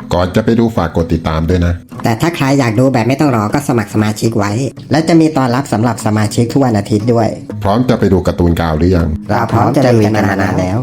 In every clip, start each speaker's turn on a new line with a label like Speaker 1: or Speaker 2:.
Speaker 1: ก่อนจะไปดูฝากกดติดตามด้วยนะ
Speaker 2: แต่ถ้าใครอยากดูแบบไม่ต้องรอก็สมัครสมาชิกไว้และจะมีตอนรับสำหรับสมาชิกทุกวันอาทิตย์ด้วย
Speaker 1: พร้อมจะไปดูการ์ตูนกาวหรือยัง
Speaker 2: เราพร้อมจะลุยกันมานานแล้ว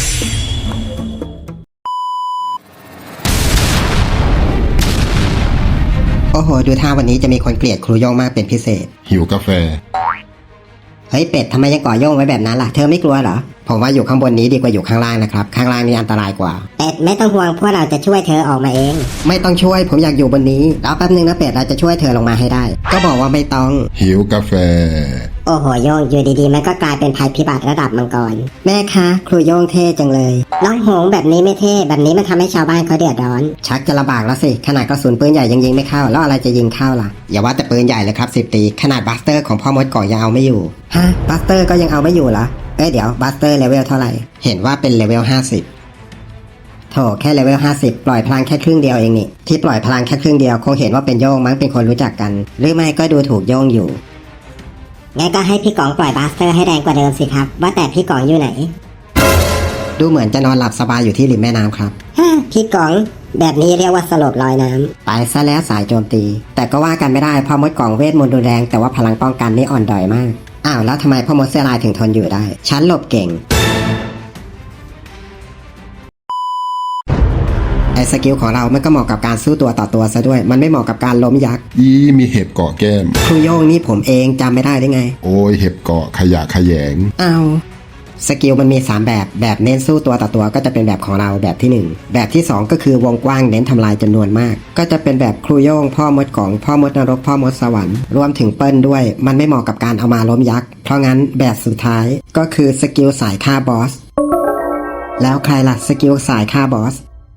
Speaker 2: โอ้โหดูท่าวันนี้จะมีคนเกลียดครูโย่งมากเป็นพิเศษ
Speaker 1: หิวกาแฟ
Speaker 2: เฮ้ยเป็ดทำไมยังก่อโย่งไว้แบบนั้นล่ะเธอไม่กลัวเหรอผมว่าอยู่ข้างบนนี้ดีกว่าอยู่ข้างล่างนะครับข้างล่างนี่อันตรายกว่า
Speaker 3: เป็ดไม่ต้องห่วงพวกเราจะช่วยเธอออกมาเอง
Speaker 2: ไม่ต้องช่วยผมอยากอยู่บนนี้รอแป๊บนึงนะเป็ดเราจะช่วยเธอลงมาให้ได้ก็บอกว่าไม่ต้อง
Speaker 1: หิวกาแฟ
Speaker 3: โอ้โหโย่งอยู่ดีๆมันก็กลายเป็นภัยพิบัติระดับมังกร
Speaker 2: แม่คะครูโย่งเท่จังเลย
Speaker 3: น้องหงแบบนี้ไม่เท่แบบนี้มันทำให้ชาวบ้านเขาเดือดร้อน
Speaker 2: ชักจะลำบากแล้วสิขนาดกระสุนปืนใหญ่ยังยิงไม่เข้าแล้วอะไรจะยิงเข้าล่ะอย่าว่าแต่ปืนใหญ่เลยครับ10 ตีขนาดบัสเตอร์ของพ่อมดก่อยังเอาไม่อยู่ฮะบัสเตอร์ก็ยังเอาไม่อยู่เหรอเดี๋ยวบัสเตอร์เลเวลเท่าไหร่เห็นว่าเป็นเลเวล50โถแค่เลเวล50ปล่อยพลังแค่ครึ่งเดียวเองนี่ที่ปล่อยพลังแค่ครึ่งเดียวคงเห็นว่าเป็นโย่งมั้งเป็นคนรู้จักกันหรือไม่ก็ดูถูกโย่งอยู่
Speaker 3: งั้นก็ให้พี่กองปล่อยบัสเตอร์ให้แรงกว่าเดิมสิครับว่าแต่พี่กองอยู่ไหน
Speaker 2: ดูเหมือนจะนอนหลับสบายอยู่ที่ริมแม่น้ำครับ
Speaker 3: พี่กองแบบนี้เรียกว่าสลบลอยน้
Speaker 2: ำตายซะแล้วสายโจมตีแต่ก็ว่ากันไม่ได้พ่อมดกล่องเวทมนต์รุนแรงแต่ว่าพลังป้องกันนี่อ่อนด้อยมากอ้าวแล้วทำไมพ่อมดเสื้อลายถึงทนอยู่ได้ฉันหลบเก่งไอ้สกิลของเรามันก็เหมาะกับการสู้ตัวต่อตัวซะด้วยมันไม่เหมาะกับการล้มยักษ์
Speaker 1: มีเห็บเกาะแก้ม
Speaker 2: ครูโย่งนี่ผมเองจำไม่ได้ได้ไง
Speaker 1: โอ้ยเห็บเกาะขยะขยง
Speaker 2: อ้าวสกิลมันมี3แบบเน้นสู้ตัวต่อตัวก็จะเป็นแบบของเราแบบที่1แบบที่2ก็คือวงกว้างเน้นทำลายจำนวนมากก็จะเป็นแบบครูโย่งพ่อมดกล่องพ่อมดนรกพ่อมดสวรรค์รวมถึงเปิ้ลด้วยมันไม่เหมาะกับการเอามาล้มยักษ์เพราะงั้นแบบสุดท้ายก็คือสกิลสายฆ่าบอสแล้วใครล่ะสกิลสายฆ่าบอส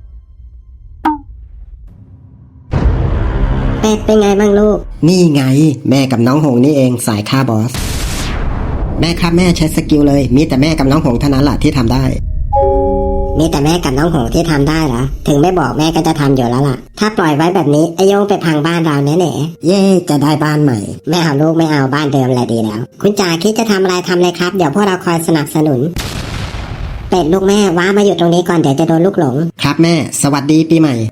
Speaker 3: เป็ดเป็นไงบ้างลูก
Speaker 2: นี่ไงแม่กับน้องหงนี่เองสายฆ่าบอสแม่ครับแม่ใช้สกิลเลยมีแต่แม่กับน้องหงเท่านั้นแหละที่ทำได้
Speaker 3: มีแต่แม่กับน้องหงที่ทำได้เหรอถึงไม่บอกแม่ก็จะทำอยู่แล้วล่ะถ้าปล่อยไว้แบบนี้ไอโยงไปพังบ้านเราแน่
Speaker 2: ๆเย่จะได้บ้านใหม่
Speaker 3: ไม่เอาลูกไม่เอาบ้านเดิมแหละดีแล้วคุณจ่าคิดจะทำอะไรทำเลยครับเดี๋ยวพวกเราคอยสนับสนุนเป็ดลูกแม่ว้ามาอยู่ตรงนี้ก่อนเดี๋ยวจะโดนลูกหลง
Speaker 2: ครับแม่สวัสดีปีใหม่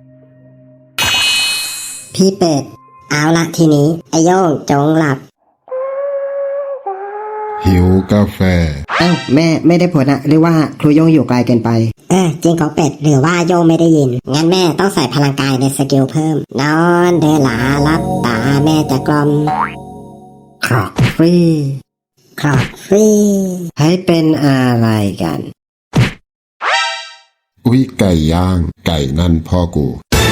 Speaker 3: พี่เป็ดเอาละทีนี้ไอโยงจงหลับ
Speaker 1: หิวกาแฟ
Speaker 2: แม่ไม่ได้ผลอะหรือว่าครูโย่งอยู่ไกลเกินไป
Speaker 3: จริงของเป็ดหรือว่าโย่งไม่ได้ยินงั้นแม่ต้องใส่พลังกายในสกิลเพิ่มนอนเดลาลับตาแม่จะกล่อม
Speaker 2: ครอกฟรีให้เป็นอะไรกัน
Speaker 1: อุ๊ยไก่ย่างไก่นั่นพ่อกู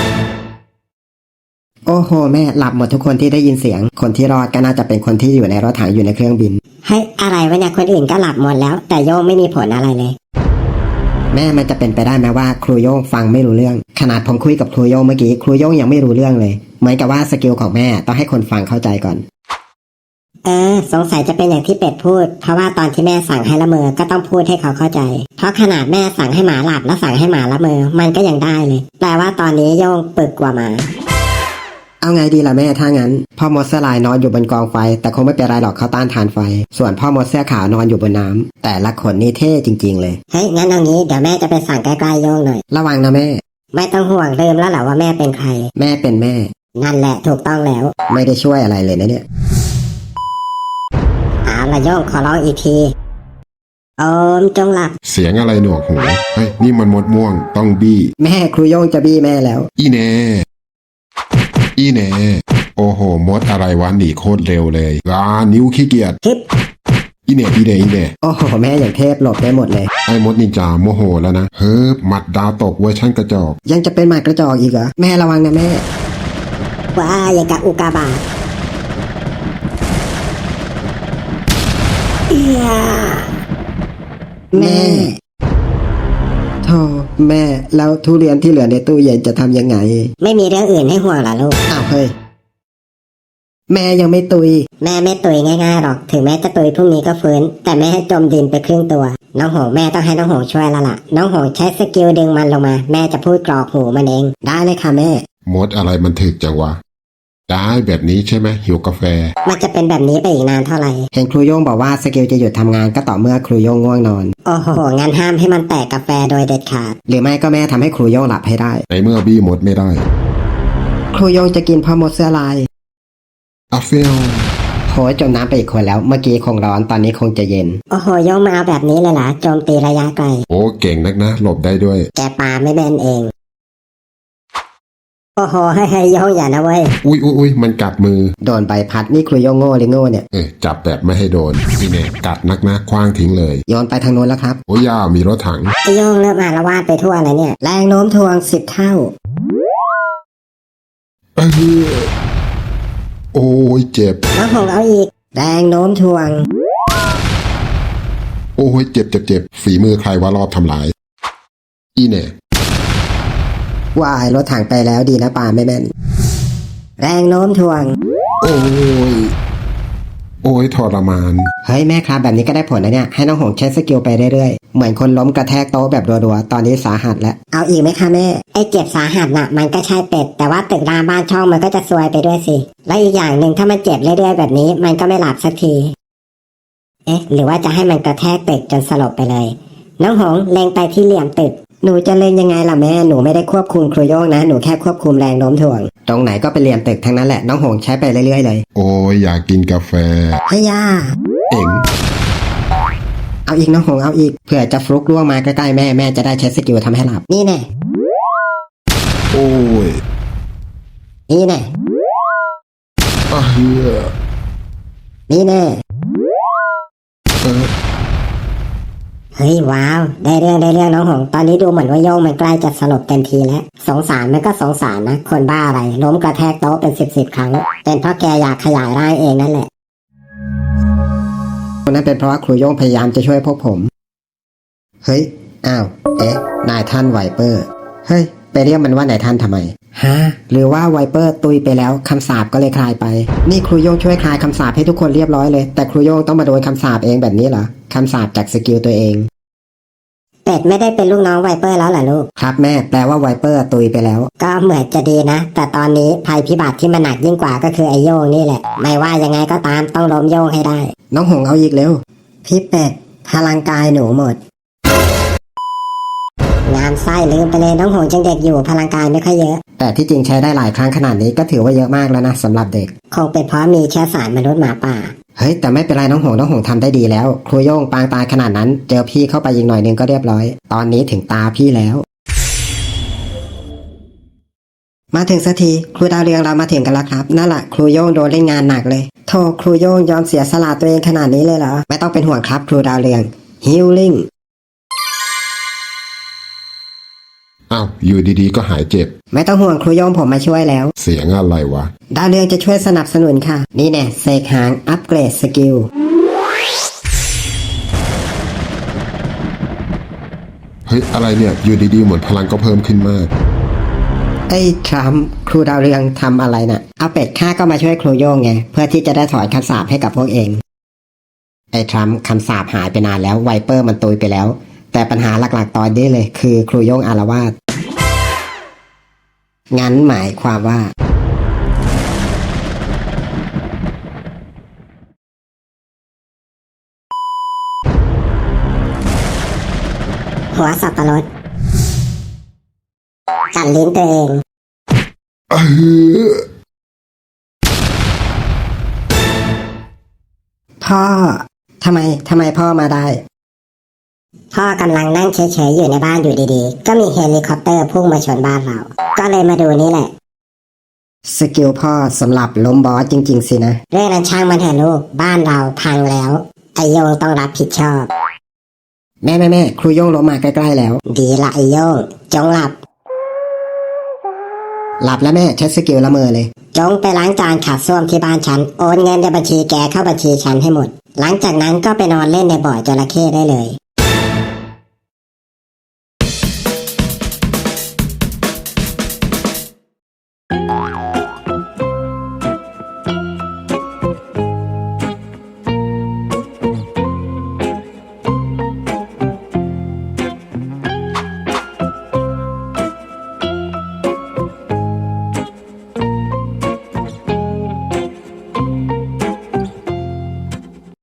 Speaker 2: โอ้โหแม่หลับหมดทุกคนที่ได้ยินเสียงคนที่รอดก็น่าจะเป็นคนที่อยู่ในรถถังอยู่ในเครื่องบิน
Speaker 3: เฮ้ยอะไรวะเนี่ยคนอื่นก็หลับหมดแล้วแต่โย่งไม่มีผลอะไรเลย
Speaker 2: แม่มันจะเป็นไปได้ไหมว่าครูโย่งฟังไม่รู้เรื่องขนาดผมคุยกับครูโย่งเมื่อกี้ครูโย่งยังไม่รู้เรื่องเลยเหมือนกับว่าสกิลของแม่ต้องให้คนฟังเข้าใจก่อน
Speaker 3: สงสัยจะเป็นอย่างที่เป็ดพูดเพราะว่าตอนที่แม่สั่งให้ละเมอก็ต้องพูดให้เขาเข้าใจเพราะขนาดแม่สั่งให้หมาหลับแล้วสั่งให้หมาละเมอมันก็ยังได้เลยแปลว่าตอนนี้โย่งปึกกว่าหมา
Speaker 2: เอาไงดีล่ะแม่ถ้างั้นพ่อมดเสื้อลายนอนอยู่บนกองไฟแต่คงไม่เป็นไรหรอกเขาต้านทานไฟส่วนพ่อมดเสื้อขาวนอนอยู่บนน้ำแต่ละคนนี่เท่จริงๆเลย
Speaker 3: เฮ้ยงั้นเอางี้เดี๋ยวแม่จะไปสั่งใกล้ๆโย่งหน่อย
Speaker 2: ระวังนะแม่
Speaker 3: ไม่ต้องห่วงลืมแล้วเหรอว่าแม่เป็นใคร
Speaker 2: แม่เป็นแม่
Speaker 3: นั่นแหละถูกต้องแล้ว
Speaker 2: ไม่ได้ช่วยอะไรเลยนะเนี่ย
Speaker 3: เอาละโย่งขอร้องอีกทีโอมจงหลับ
Speaker 1: เสียงอะไรหนวกหูเฮ้ยนี่มันมดม่วงต้องบี้
Speaker 2: แม่ครูโย่งจะบี้แม่แล้ว
Speaker 1: อีแน่โอ้โหมดอะไรวะหนีโคตรเร็วเลยนิ้วขี้เกียจอีแน่
Speaker 2: โอ้โหแม่อย่างเทพหลบได้หมดเลย
Speaker 1: ไอ้มดนินจาโมโหแล้วนะเฮ้ยหมัดดาวตกเวอร์ชั่นกระจอก
Speaker 2: ยังจะเป็นหมัดกระจอกอีกเหรอแม่ระวังนะแม่
Speaker 3: ว้าอย่างกับอุกาบาต
Speaker 2: แม่โธ่แม่แล้วทุเรียนที่เหลือในตู้เย็นจะทำยังไง
Speaker 3: ไม่มีเรื่องอื่นให้ห่วงหรอลูก
Speaker 2: อ้าวเฮ้ยแม่ยังไม่ตุย
Speaker 3: แม่ไม่ตุยง่ายๆหรอกถึงแม่จะตุยพรุ่งนี้ก็ฟื้นแต่แม่ให้จมดินไปครึ่งตัวน้องหงแม่ต้องให้น้องหงช่วยแล้วล่ะน้องหงใช้สกิลดึงมันลงมาแม่จะพูดกรอกหูมันเองได้เลยค่ะแม่
Speaker 1: มดอะไรมันถึกจังวะได้แบบนี้ใช่ไหมหิวกาแฟ
Speaker 3: มันจะเป็นแบบนี้ไปอีกนานเท่าไหร่
Speaker 2: เห็นครูโย่งบอกว่าสกิลจะหยุดทำงานก็ต่อเมื่อครูโย่งง่วงนอน
Speaker 3: โอ้โหงั้นห้ามให้มันแตกกาแฟโดยเด็ดขาด
Speaker 2: หรือไม่ก็แม่ทำให้ครูโย่งหลับให้ได้
Speaker 1: ในเมื่อบี้มดไม่ได้
Speaker 2: ครูโย่งจะกินพ่อมดเสื้อลาย
Speaker 1: อาเฟล
Speaker 2: โหยจมน้ำไปอีกคนแล้วเมื่อกี้คงร้อนตอนนี้คงจะเย็น
Speaker 3: โอ้โหโยงมาเอาแบบนี้เลยเหรอโจมตีระยะไกล
Speaker 1: โอ้เก่งนักนะหลบได้ด้วย
Speaker 3: แกปาไม่แม่นเอง โอ้โหให้โยงอย่านะเว้ย
Speaker 1: อุ้ยมันกัดมือ
Speaker 2: โดนใบพัดนี่ครูโย่งโง่หรือโง่เนี่ย
Speaker 1: จับแบบไม่ให้โดนนี่เนี่ยกัดนักนะคว้างทิ้งเลย
Speaker 2: โยนไปทางโน้นแล้วครับ
Speaker 1: โอ้ย่ามีรถถัง
Speaker 3: ไอโยงเริ่มอาละวาดไปทั่วเลยเนี่ย
Speaker 2: แรงโน้มถ่วง10 เท่า
Speaker 1: เออโอ้ยเจ็บ
Speaker 3: น้องหงเอาอีก
Speaker 2: แรงโน้มถ่วง
Speaker 1: โอ้ยเจ็บฝีมือใครว่ารอบทำลายอีเนี่ย
Speaker 2: ว่ายรถถังไปแล้วดีนะป่าไม่แม่น แรงโน้มถ่วง
Speaker 1: โอ้ยทรมาน
Speaker 2: เฮ้ยแม่ครับแบบนี้ก็ได้ผลนะเนี่ยให้น้องหงใช้สกิลไปเรื่อยๆเหมือนคนล้มกระแทกโต๊ะแบบรัวๆตอนนี้สาหัสแล้ว
Speaker 3: เอาอีกไหมคะแม่ ไอเจ็บสาหัสน่ะ มันก็ใช่เป็ด แต่ว่าตึกรามบ้านช่องมันก็จะซวยไปด้วยสิ และอีกอย่างหนึ่งถ้ามันเจ็บเรื่อยๆแบบนี้ มันก็ไม่หลับสักที เอ๊ะ หรือว่าจะให้มันกระแทกตึกจนสลบไปเลย น้องหงเล็งไปที่เหลี่ยมตึก
Speaker 2: หนูจะเล่นยังไงล่ะแม่หนูไม่ได้ควบคุมครูโย่งนะหนูแค่ควบคุมแรงโน้มถ่วง ตรงไหนก็เป็นเหลี่ยมตึกทั้งนั้นแหละน้องหงใช้ไปเรื่อยๆเลย
Speaker 1: โอ้ยอยากกินกาแฟ
Speaker 2: เฮ้ยย่า
Speaker 1: เอ็ง
Speaker 2: เอาอีกน้องหงเอาอีกเผื่อจะฟลุกล่วงมาใกล้ๆแม่แม่จะได้ใช้สกิลทำให้หลับนี่แน่
Speaker 1: โอ้ย
Speaker 2: นี่แน่
Speaker 1: เฮีย
Speaker 2: นี่แน่
Speaker 1: เออ
Speaker 3: เฮ้ยว้าว ได้เรื่องน้องหง ตอนนี้ดูเหมือนว่าโยงมันใกล้จะสลบเต็มทีแล้ว สงสารมันก็สงสารนะ คนบ้าอะไร ล้มกระแทกโต๊ะเป็นสิบครั้ง เป็นเพราะแกอยากขยายร่างเองนั่นแหละ
Speaker 2: คนนั้นเป็นเพราะว่าครูโย่งพยายามจะช่วยพวกผมเฮ้ยอ้าวเอ๊ะนายท่านไวเปอร์เฮ้ยไปเรียกมันว่านายท่านทำไมฮะหรือว่าไวเปอร์ตุยไปแล้วคำสาปก็เลยคลายไปนี่ครูโย่งช่วยคลายคำสาปให้ทุกคนเรียบร้อยเลยแต่ครูโย่งต้องมาโดนคำสาปเองแบบนี้เหรอคำสาปจากสกิลตัวเอง
Speaker 3: เป็ดไม่ได้เป็นลูกน้องไวเปอร์แล้วเหรอลูก
Speaker 2: ครับแม่แปลว่าไวเปอร์ตุยไปแล้ว
Speaker 3: ก็เหมือนจะดีนะ แต่ตอนนี้ภัยพิบัติที่มันหนักยิ่งกว่าก็คือไอโยงนี่แหละ ไม่ว่ายังไงก็ตามต้องล้มโยงให้ได้
Speaker 2: น้องหงเอาอีกเร็วพี่เป็ดพลังกายหนูหมด
Speaker 3: งามไส้ลืมไปเลยน้องหงจังเด็กอยู่พลังกายไม่ค่อยเยอะ
Speaker 2: แต่ที่จริงใช้ได้หลายครั้งขนาดนี้ก็ถือว่าเยอะมากแล้วนะสำหรับเด็ก
Speaker 3: คงเป็นเพราะมีเชื้อสายมนุษย์หมาป่า
Speaker 2: เฮ้ยแต่ไม่เป็นไรน้องหงทำได้ดีแล้วครูโย่งปางตายขนาดนั้นเจอพี่เข้าไปยิงหน่อยนึงก็เรียบร้อยตอนนี้ถึงตาพี่แล้ว มาถึงสักทีครูดาวเรืองเรามาถึงกันแล้วครับนั่นแหละครูโย่งโดนเล่นงานหนักเลยโธ่ครูโย่งยอมเสียสละตัวเองขนาดนี้เลยเหรอไม่ต้องเป็นห่วงครับครูดาวเรืองฮิลลิ่ง
Speaker 1: อ้าวอยู่ดีๆก็หายเจ็บ
Speaker 2: ไม่ต้องห่วงครูโย่งผมมาช่วยแล้ว
Speaker 1: เสียงอะไรวะ
Speaker 2: ดาวเรืองจะช่วยสนับสนุนค่ะนี่แน่เสกหางอัปเกรดสกิล
Speaker 1: เฮ้ยอะไรเนี่ยอยู่ดีๆเหมือนพลังก็เพิ่มขึ้นมาก
Speaker 2: ไอ้ทรัมป์ครูดาวเรืองทำอะไรน่ะเอาเป็ดข้าก็มาช่วยครูโย่งไงเพื่อที่จะได้ถอนคำสาปให้กับพวกเองไอ้ทรัมป์คำสาปหายไปนานแล้วไวเปอร์มันตุยไปแล้วแต่ปัญหาหลักๆตอนนี้เลยคือครูโย่งอาละวาดงั้นหมายความว่า
Speaker 3: หัวสับปะรดกัดลิ้นตัวเอง
Speaker 1: เออ
Speaker 2: พ่อทำไมพ่อมาได้
Speaker 3: พ่อกำลังนั่งเฉยๆอยู่ในบ้านอยู่ดีๆก็มีเฮลิคอปเตอร์พุ่งมาชนบ้านเรา ก็เลยมาดูนี่แหละ
Speaker 2: สกิลพ่อสำหรับล้มบอสจริงๆสินะ
Speaker 3: เรื่องนั้นช่างมันเถอะลูกบ้านเราพังแล้วไอโยงต้องรับผิดชอบ
Speaker 2: แม่ครูโย่งล้มมาใกล้ๆแล้ว
Speaker 3: ดีละไอโยงจงหลับ
Speaker 2: หลับแล้วแม่ใช้สกิลละเมอเลย
Speaker 3: จงไปล้างจานขัดส้วมที่บ้านฉันโอนเงินในบัญชีแกเข้าบัญชีฉันให้หมด หลังจากนั้นก็ไปนอนเล่นในบ่อจระเข้ได้เลย